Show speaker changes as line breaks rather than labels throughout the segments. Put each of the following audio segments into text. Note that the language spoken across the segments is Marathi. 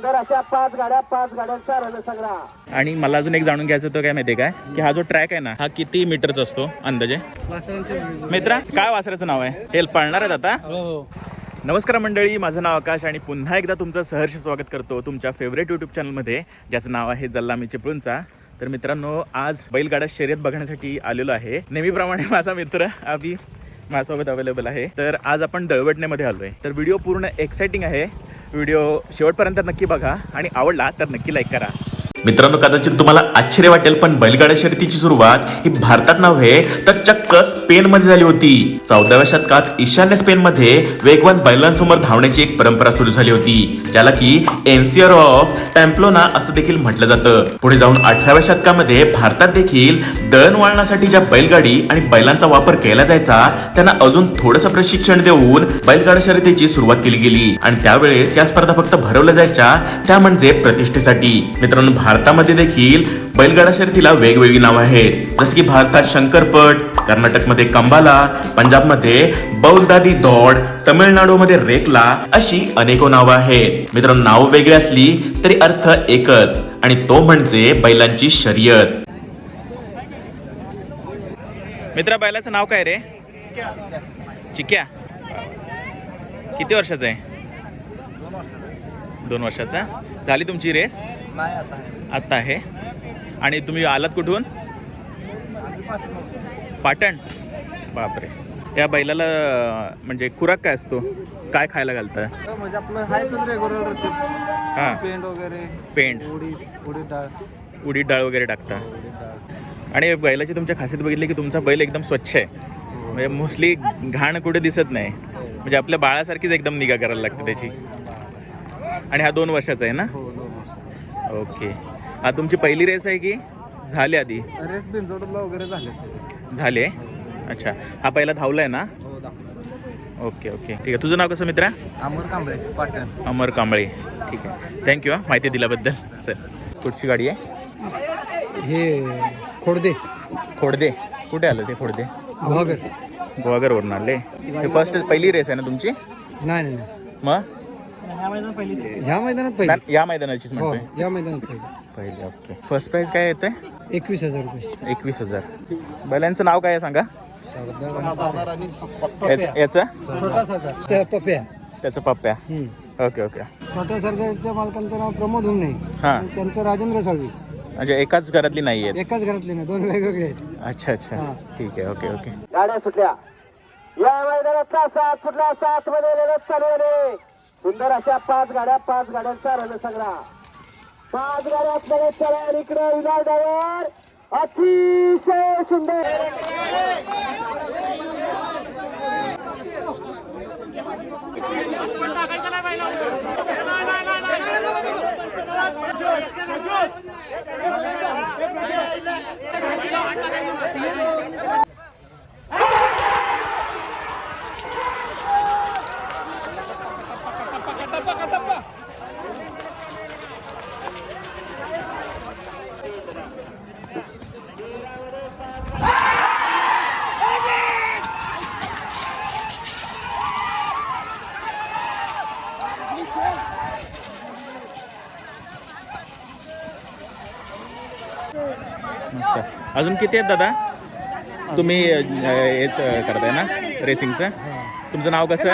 सुंदर अशा 5 गाड्यांचा रणसंग्राम.
आणि मला अजून एक जाणून घ्यायचं होतं काय माहितीये काय की हा जो ट्रॅक आहे ना हा किती मीटरचा असतो अंदाजे? मित्रा काय वासराचं नाव आहे? हे पळणार आहेत आता? नमस्कार मंडळी, माझं नाव आकाश आणि पुन्हा एकदा तुमचं सहर्ष स्वागत करतो तुमच्या फेवरेट यूट्यूब चॅनलमध्ये ज्याचं नाव आहे जल्लामी चिपळूणचा. तर मित्रांनो, आज बैलगाडा शर्यत बघण्यासाठी आलेलो आहे. नेहमीप्रमाणे माझा मित्र अभि माझ्यासोबत अवेलेबल आहे. तर आज आपण दळवटण्यामध्ये आलो आहे. तर व्हिडिओ पूर्ण एक्साइटिंग आहे. व्हिडिओ शेवटपर्यंत नक्की बघा आणि आवडला तर नक्की लाईक करा. मित्रांनो, कदाचित तुम्हाला आश्चर्य वाटेल पण बैलगाडा शर्यतीची सुरुवात ही भारतात नव्हे तर चक्क स्पेन मध्ये झाली होती. 14व्या शतकात ईशान्य स्पेन मध्ये वेगवान बैलांसमोर धावण्याची एक परंपरा सुरू झाली होती, ज्याला की एन्सियर ऑफ पॅम्प्लोना असं देखील म्हटलं जातं. पुढे जाऊन 18व्या शतकामध्ये भारतात देखील दळणवळणासाठी ज्या बैलगाडी आणि बैलांचा वापर केला जायचा त्यांना अजून थोडंसं प्रशिक्षण देऊन बैलगाडा शर्यतीची सुरुवात केली गेली. आणि त्यावेळेस या स्पर्धा फक्त भरवल्या जायच्या त्या म्हणजे प्रतिष्ठेसाठी. मित्रांनो, भारतामध्ये देखील बैलगाडा शर्यतीला वेगवेगळी नावं आहेत, जसं की भारतात शंकरपट, कर्नाटकमध्ये कंबाला, पंजाबमध्ये बौलदादी दौड, तमिळनाडूमध्ये रेकला अशी अनेको नावं आहेत. मित्रांनो, नावं वेगळी असली तरी अर्थ एकच आणि तो म्हणजे बैलांची शर्यत. मित्रा, बैलाचं नाव काय रे? चिक्या. किती वर्षाचा आहे? 2 वर्षाचा. झाली तुमची रेस? आता आहे. आणि तुम्ही आलात कुठून? पाटण. बापरे. या बैलाला म्हणजे खुराक काय असतो? काय खायला घालता?
म्हणजे आपलं हाय रेग्युलर
हां,
पेंट वगैरे,
पेंट, उडीद डाळ वगैरे टाकता. आणि बैलाची तुमच्या खासियत बघितली की तुमचा बैल एकदम स्वच्छ आहे. म्हणजे मोस्टली घाण कुठे दिसत नाही. म्हणजे आपल्या बाळासारखीच एकदम निगा करायला लागते त्याची. आणि हा 2 वर्षाचा आहे ना? ओके. हा तुमची पहिली रेस आहे की झाली आधी?
रेस बिनजोडला वगैरे
झाले. अच्छा, हा पहिला धावलाय ना? ओके ओके, ठीक आहे. तुझं नाव कसं मित्रा?
अमर कांबळे, पाटण.
अमर कांबळे. ठीक आहे, थँक्यू हा माहिती दिल्याबद्दल. सर, कुठची गाडी आहे?
हे खोडदे.
खोडदे. कुठे आलं ते खोडदे?
गुहागर.
गुहागरवरून आले. हे पहिली रेस आहे ना तुमची?
नाही.
मग
ह्या मैदानात पहिली.
या मैदानाचीच म्हणतोय.
या मैदानात
पहिली. ओके. फर्स्ट प्राइज काय येते?
21,000 रुपये.
21,000. बैलांचं नाव काय आहे सांगा? याचं
छोटासा पप्या.
त्याचं पप्प्या. Okay okay.
छोट्या सरदारच्या मालकांचं नाव प्रमोद हुमणे.
हां,
त्यांचं राजेंद्र साळवी.
म्हणजे एकाच घरातली नाही आहेत?
एकाच घरातले ना, 2 वेगवेगळे आहेत.
अच्छा अच्छा, ठीक आहे. Okay okay.
गाड्या सुटल्या. या मैदानातला 7 फुटला 7 मध्ये लढत चालू आहे. सुंदर अशा 5 गाड्यांचा रणसंग्राम. 5 गाड्या असणारे चला इकडे विनायक ड्रायव्हर. अतिशय सुंदर.
अजून किती आहेत दादा? तुम्ही हेच करताय ना रेसिंगचं? तुमचं नाव कसं?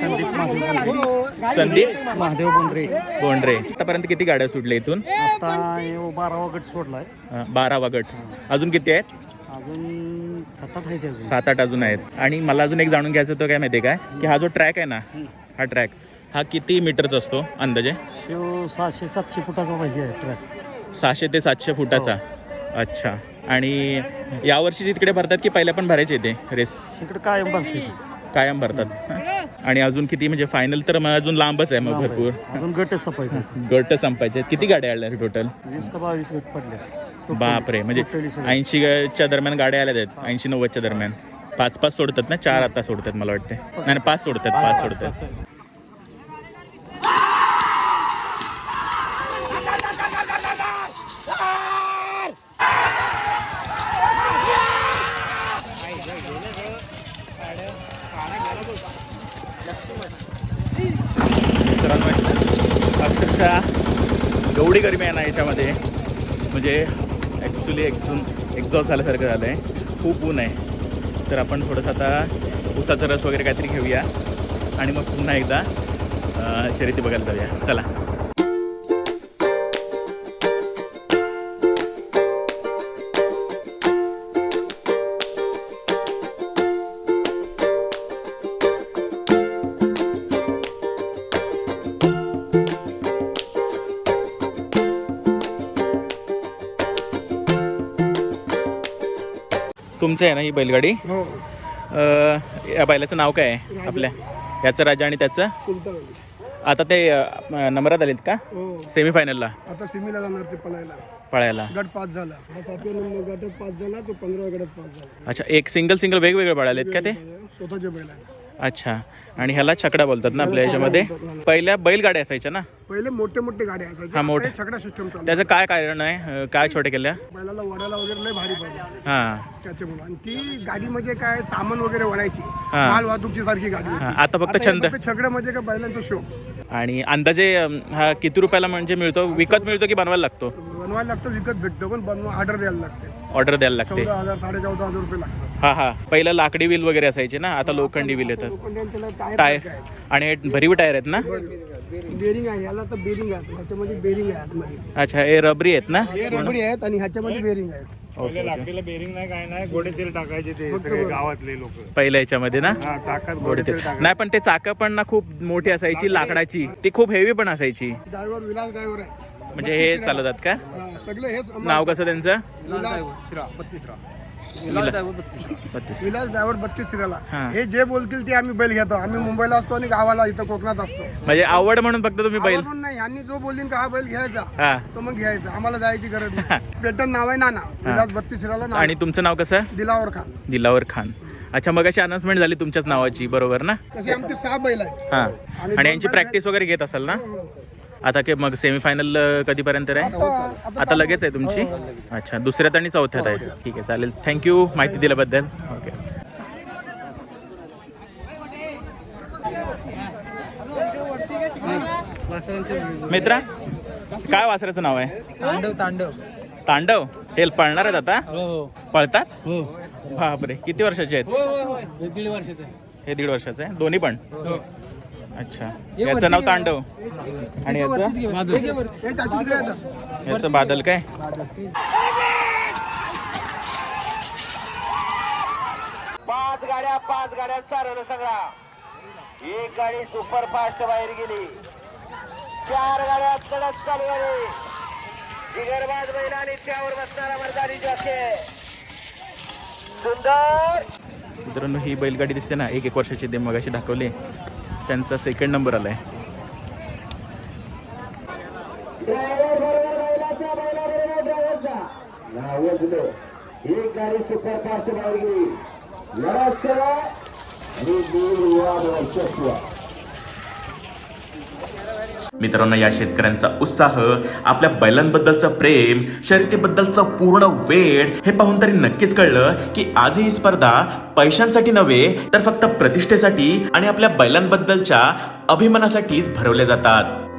संदीप
महादेव
बोंड्रे. आतापर्यंत किती गाड्या सुटल्या इथून?
आता 12वा गट सोडलाय.
12वा गट. अजून किती आहेत?
अजून 7-8 आहेत.
7-8 अजून आहेत. आणि मला अजून एक जाणून घ्यायचं होतं काय माहिती आहे काय की हा जो ट्रॅक आहे ना, हा ट्रॅक हा किती मीटरचा असतो अंदाजे?
600-700 फुटाचा पाहिजे ट्रॅक.
600 ते 700 फुटाचा. अच्छा. आणि यावर्षी तिकडे भरतात की पहिल्या पण भरायचे ते रेस?
इकडे कायम भरते.
कायम भरतात. आणि अजून किती म्हणजे फायनल तर मग अजून लांबच आहे मग भरपूर.
अजून गट संपायचे.
गट संपायचे. किती गाड्या आल्या टोटल?
20 का 22 गट पडले.
बापरे. म्हणजे 80च्या दरम्यान गाड्या आल्या आहेत. 80-90च्या दरम्यान. 5-5 सोडतात ना? 4 आता सोडतात मला वाटते. नाही 5 सोडतात. 5 सोडतात. अक्षरशः एवढी गरमी आहे ना याच्यामध्ये, म्हणजे ॲक्च्युली एक्झॉस्ट झाल्यासारखं झालं आहे. खूप ऊन आहे. तर आपण थोडंसं आता उसाचा रस वगैरे काहीतरी घेऊया आणि मग पुन्हा एकदा शर्यती बघायला जाऊया. चला. तुमचं आहे ना ही बैलगाडी?
हो.
या बैलाचं नाव काय आहे आपल्या? याचं राजा आणि त्याचं?
सुलतान.
आता ते नंबरात आलेत का
हो.
सेमीफायनलला
आता सिमीला जाणार ते
पळायला?
गट 5 झाला. हा 7व्या नंबर गटात 5 झाला, तो 15व्या गटात 5 झाला.
अच्छा, एक सिंगल वेगवेगळे पळालेत का ते?
स्वतःचे बैल आहे.
अच्छा. आणि ह्याला छकडा बोलतात ना आपल्या याच्यामध्ये? पहिल्या बैलगाड्या असायच्या ना?
पहिले मोठे गाड्या असायचे.
हा, मोठे.
छकडा सिस्टम चालू.
त्याचं काय कारण आहे? काय छोटे केल्या?
बैलाला वडायला वगैरे लय भारी पाहिजे
हां
त्याच्यामुळे. आणि ती गाडी म्हणजे काय, सामान वगैरे वडायची,
हा.
माल वाहतूकची सारखी गाडी होती.
हां, आता फक्त छंद.
छकडा म्हणजे काय, बैलांचा शो.
आणि अंदाजे हा किती रुपयाला म्हणजे मिळतो? विकत मिळतो की बनवायला लागतो?
बनवायला लागतं, विकत भेटतो, पण बनवा ऑर्डर द्यायला लागते.
ऑर्डर द्यायला लागते.
14,000 14,500 रुपये लागतात.
हां हां. पहिलं लाकडी व्हील वगैरे असायचे ना, आता लोखंडी व्हील येतात.
लोखंडी त्याला
टायर. आणि हे भरीव टायर आहेत ना?
बेरिंग आहे, याला तर बेरिंग आहे, ह्याच्यामध्ये बेरिंग आहे आतमध्ये.
अच्छा, हे रबरी आहेत ना?
हे रबरी आहेत आणि ह्याच्यामध्ये बेरिंग आहे.
लाकडीला बेरिंग नाही, काय नाही, गोडे तेल टाकायचे ते सगळे गावातले लोक.
पहिल्या याच्यामध्ये ना
चाकात
गोडे तेल. नाही, पण ते चाकं पण ना खूप मोठी असायची लाकडाची, ती खूप हेवी पण असायची.
ड्रायव्हर विलास ड्रायव्हर आहे.
म्हणजे हे चालवतात का?
हा, सगळे हेच
नाव कसं त्यांचं?
विलास ड्रायव्हर 32 सिराला.
हा.
हे जे बोलतील ते आम्ही बैल घेतो. आम्ही मुंबईला असतो आणि गावाला इथं कोकणात असतो.
म्हणजे आवड म्हणून फक्त तुम्ही बैल?
आवडून नाही, यांनी जो बोलतील का हा बैल घ्यायचा,
हा.
तो मग घ्यायचा. आम्हाला जायची गरज नाही. पेटन नाव आहे नाना, विलास 32 सिराला नाव.
आणि तुमचं नाव कसं?
दिलावर खान.
दिलावर खान. अच्छा, मग अशी अनाउन्समेंट झाली तुमच्याच नावाची, बरोबर ना?
तसे आमचे 6 बैल आहेत.
हां.
आणि
आणि यांची प्रॅक्टिस वगैरे घेत असाल ना? आता की मग सेमीफायनल कधीपर्यंत आहे? आता लगेच आहे तुमची? अच्छा, दुसऱ्यात आणि चौथ्यात आहे. ठीक आहे, चालेल. थँक्यू माहिती दिल्याबद्दल. ओके. मित्रा, काय वासराचं नाव आहे? तांडव. हे पळणार आहेत आता? पळतात? बापरे, किती वर्षाचे आहेत? हे 1.5 वर्षाचं आहे. दोन्ही पण? अच्छा. याचं नाव तांडव आणि याचं?
हे चाची तिकडे येतात.
याचं बादल काय?
पाच गाड्यांचा रण सगळा. एक गाडी सुपर फास्ट बाहेर गेली. 4 गाड्या कडक चालू झाली. जिगरबाज बैल आणि त्यावर बसणारा मर्दानी जॉकी. सुंदर.
मित्रांनो, ही बैलगाडी दिसते ना, 1 वर्षाची, ते मगाशी दाखवली, त्यांचा 2nd नंबर आलाय.
एक गाडी सुपर फास्ट बाहेर गेली.
मित्रांनो, या शेतकऱ्यांचा उत्साह, आपल्या बैलांबद्दलचं प्रेम, शर्यतीबद्दलचं पूर्ण वेळ हे पाहून तरी नक्कीच कळलं की आज ही स्पर्धा पैशांसाठी नव्हे, तर फक्त प्रतिष्ठेसाठी आणि आपल्या बैलांबद्दलच्या अभिमानासाठीच भरवल्या जातात.